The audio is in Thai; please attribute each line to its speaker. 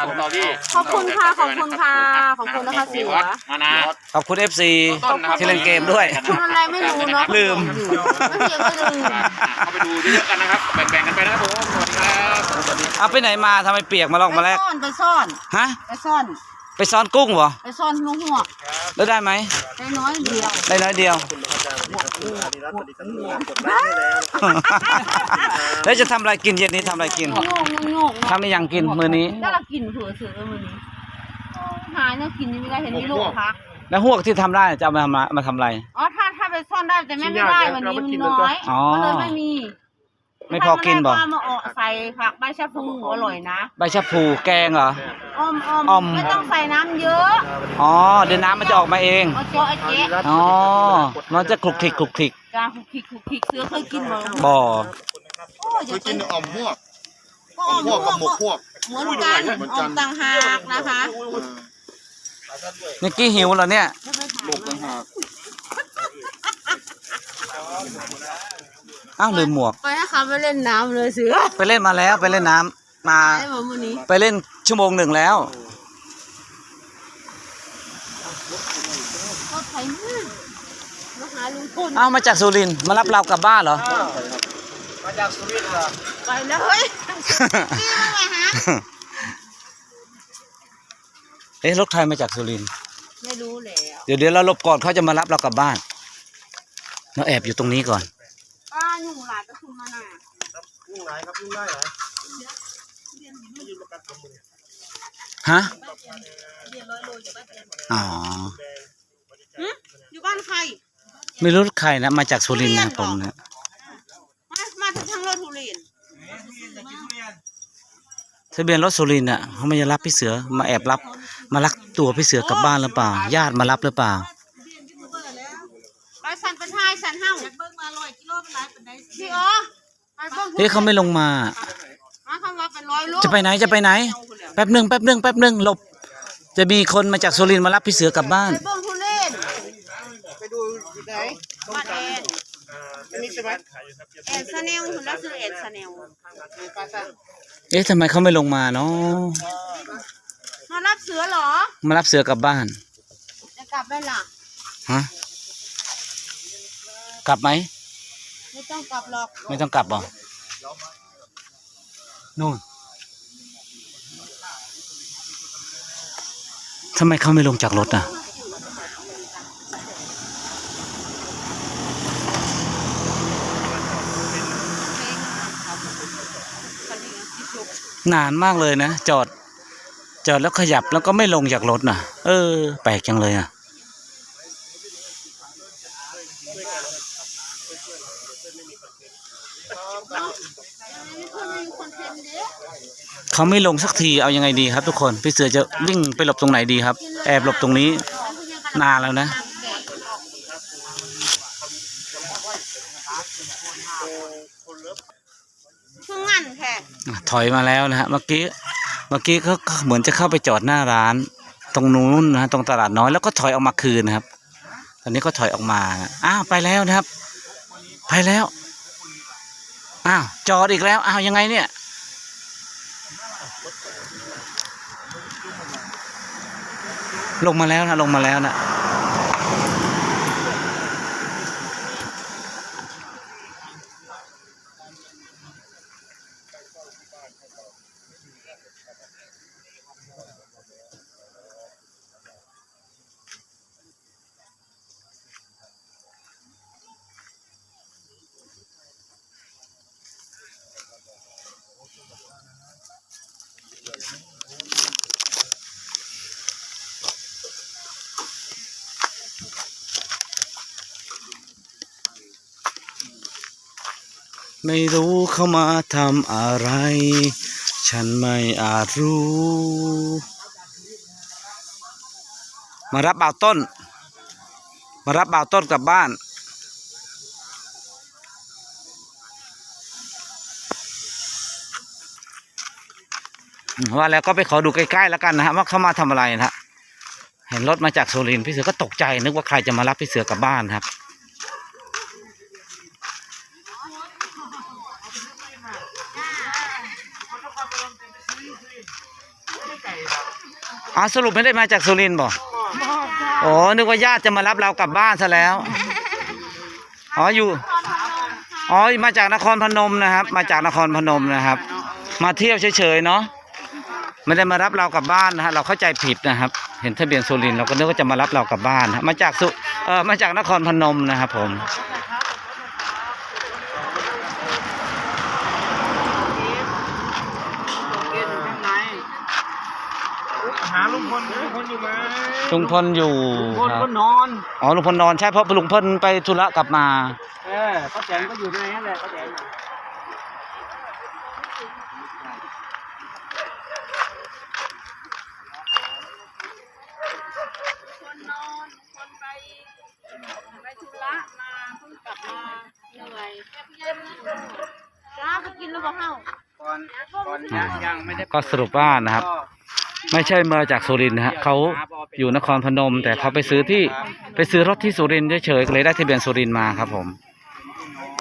Speaker 1: ต่อที่
Speaker 2: ขอบคุณค่ะขอบคุณค่ะขอบคุณนะคะเสือ
Speaker 1: มานะ
Speaker 3: ขอบคุณ FC ที่เล่นเกมด้วย
Speaker 2: คุณอะไรไม่รู้เนาะ
Speaker 3: ลืม
Speaker 2: ไม่เพียงก็ลืม
Speaker 1: เข้าไปดูเยอะๆกันนะครับแบ่งๆกันไปนะครับผมสวัสดีครับ
Speaker 3: เอาไปไหนมาทำไมเปียกมาลองมาแรก
Speaker 2: ไปซ่อน
Speaker 3: ฮะ
Speaker 2: ไปซ่อน
Speaker 3: ไปซ้อนกุ้งเหรอ
Speaker 2: ไปซ่อนหัว
Speaker 3: แล้วได้ไหม
Speaker 2: ได้น้อยเดียว
Speaker 3: ได้น้อยเดียว แล้วจะทำอะไรกินเย็นนี้ทำอะไรกิน
Speaker 2: โงกโงก
Speaker 3: ทำอะไรยังกินมื้อนี้
Speaker 2: ถ้าเรากินเผื่อเสือมื้อนี้หายเนี่ยกินยังไม่ได้เห็นมีลูกพัก
Speaker 3: แล้วหวกที่ทำได้จะเอามาทำอะไร
Speaker 2: อ๋อถ้าไปซ่อนได้แต่ไม่ได้วันนี้มันน้อย
Speaker 3: อ๋อ
Speaker 2: ก็เลยไม่มี
Speaker 3: ไม่พอกินบ่
Speaker 2: ถ้ามาออกใส่ผักใบชะพูอร่อยนะ
Speaker 3: ใบชะพูแกงเหรอ
Speaker 2: อ้อม
Speaker 3: อ้อม
Speaker 2: ไม่ต้องใส่น้ำเยอะ
Speaker 3: อ๋อเดี๋ยวน้ำมันจะออกมาเอง
Speaker 2: เอาเจาะไอ้เจ๊
Speaker 3: อ๋อ มันจะคลุกคลิกคลุกคลิก
Speaker 2: จานคุกคิกเสือเคยกินบ่
Speaker 3: บ่อ
Speaker 4: เคยกินอ่อมพวก
Speaker 2: ก็อ้อม
Speaker 4: พวกกับหมกพวก
Speaker 2: เหมือนกันอ้อมต่างหากนะคะ
Speaker 3: นิกกี้หิวเหรอเนี่ย
Speaker 4: หมกต่างหาก
Speaker 3: อ้าวลืมหมวก
Speaker 2: ไปนะคะไปเล่นน้ำเลยเสือ
Speaker 3: ไปเล่นมาแล้วไปเล่นน้ำมา
Speaker 2: ไอ้หมอมื้อนี้
Speaker 3: ไปเล่นชั่วโมงหนึ่งแล้ว
Speaker 2: ก็ไถมือมาหาลุงพล
Speaker 3: เอามาจากสุรินทร์มารับเรากลับบ้านเหรอ
Speaker 2: ไปเลยเฮ้ยพี่มาไงฮะ
Speaker 3: เอ๊ะรถใครมาจากสุรินทร์
Speaker 2: ไม่รู้แล้ว
Speaker 3: เดี๋ยวเราหลบก่อนเขาจะมารับเรากลับบ้านเราแอบอยู่ตรงนี้ก่อน
Speaker 2: ป้าหนุ่มหลานก็คือมาหน่ะ
Speaker 4: ยุ่งไรครับยุ่งได้เหรอ
Speaker 3: ฮะอ๋อ
Speaker 2: อยู่บ้านใคร
Speaker 3: ไม่รู้ใครนะมาจากสุรินทร์นะผมเนี่ย
Speaker 2: มาทางรถทุเรียน
Speaker 3: ทะเบียนรถสุรินทร์อ่ะเขาไม่จะรับพี่เสือมาแอบรับมาลักตัวพี่เสือกลับบ้านหรือเปล่าญาติมารับหรือเปล่า
Speaker 2: ไปสันเป็นไทยสันเฮ้าเบิ้งมา100 กิโลเป็นไรเป็นไดพี่อ๋อไปเบิ้ง
Speaker 3: เฮ้ยเขาไม่ลงมา
Speaker 2: มาคำว่าเป็น100 โล
Speaker 3: จะไปไหนจะไปไหน แป๊บหนึ่งหลบ จะมีคนมาจากสุรินทร์มารับพี่เสือกลับบ้าน
Speaker 2: ไปเบิ้งทุเรียน
Speaker 4: ไปดูอยู่ไหน
Speaker 2: บ้านแอน
Speaker 4: อันนี้ใช่ไหม
Speaker 2: แอนซาเนลคุณรักซื้อแอนซาเนล
Speaker 3: เอ๊ะทำไมเขาไม่ลงมาเนาะ
Speaker 2: มารับเสือเหรอ
Speaker 3: มารับเสือกลับบ้าน
Speaker 2: จะกลับได้ล่ะ
Speaker 3: ฮะกลับไหม
Speaker 2: ไม่ต้องกลับหรอก
Speaker 3: ไม่ต้องกลับหรอนู่นทำไมเขาไม่ลงจากรถอ่ะนานมากเลยนะจอดแล้วขยับแล้วก็ไม่ลงจากรถน่ะแปลกจังเลยอ่ะเขาไม่ลงสักทีเอายังไงดีครับทุกคนพี่เสือจะวิ่งไปหลบตรงไหนดีครับแอบหลบตรงนี้นานแล้วนะ
Speaker 2: คืองั้นแค่
Speaker 3: ถอยมาแล้วนะฮะเมื่อกี้เขาเหมือนจะเข้าไปจอดหน้าร้านตรงนู้นนะตรงตลาดน้อยแล้วก็ถอยออกมาคืนนะครับตอนนี้ก็ถอยออกมาอ้าวไปแล้วนะครับไปแล้วอ้าวจอดอีกแล้วอ้าวยังไงเนี่ยลงมาแล้วนะ ไม่รู้เขามาทำอะไรฉันไม่อาจรู้มารับบ่าวต้นกลับบ้านว่าแล้วก็ไปขอดูใกล้ๆแล้วกันนะฮะว่าเขามาทำอะไรนะฮะเห็นรถมาจากสุรินทร์พี่เสือก็ตกใจนึกว่าใครจะมารับพี่เสือกลับบ้านครับสรุปไม่ได้มาจากสุรินทร์บ่โอ้นึกว่าญาติจะมารับเรากลับบ้านซะแล้วมาจากนครพนมนะครับ มาจากนครพนมนะครับ มาเที่ยวเฉยๆเนาะไม่ได้มารับเรากลับบ้านนะฮะเราเข้าใจผิดนะครับ เห็นทะเบียนสุรินทร์เราก็นึกว่าจะมารับเรากลับบ้านนะมาจากนครพนมนะครับผม
Speaker 4: หาลุงพลอยู่ไหม
Speaker 3: ลุงพลอยู่
Speaker 4: ลุงพล
Speaker 3: ครับ
Speaker 4: ก็นอน
Speaker 3: ลุงพลนอนใช่เพราะลุงพลไปธุระกลับมา
Speaker 4: ป้าแตนก็อยู่ในนั้นแหละป้าแตน
Speaker 2: คนนอนคนไปธุระมาเพิ่งกลับมาเหนื่อยแค่เย็นจ้าไปกินแล้วบ่เฮา
Speaker 4: ก่อนยังไม่ได้
Speaker 3: ก็สรุปว่านะครับ ไม่ใช่มาจากสุรินทร์นะฮะเขาอยู่นครพนม แต่เขาไปซื้อรถที่สุรินทร์เฉยๆก็เลยได้ทะเบียนสุรินทร์มาครับผม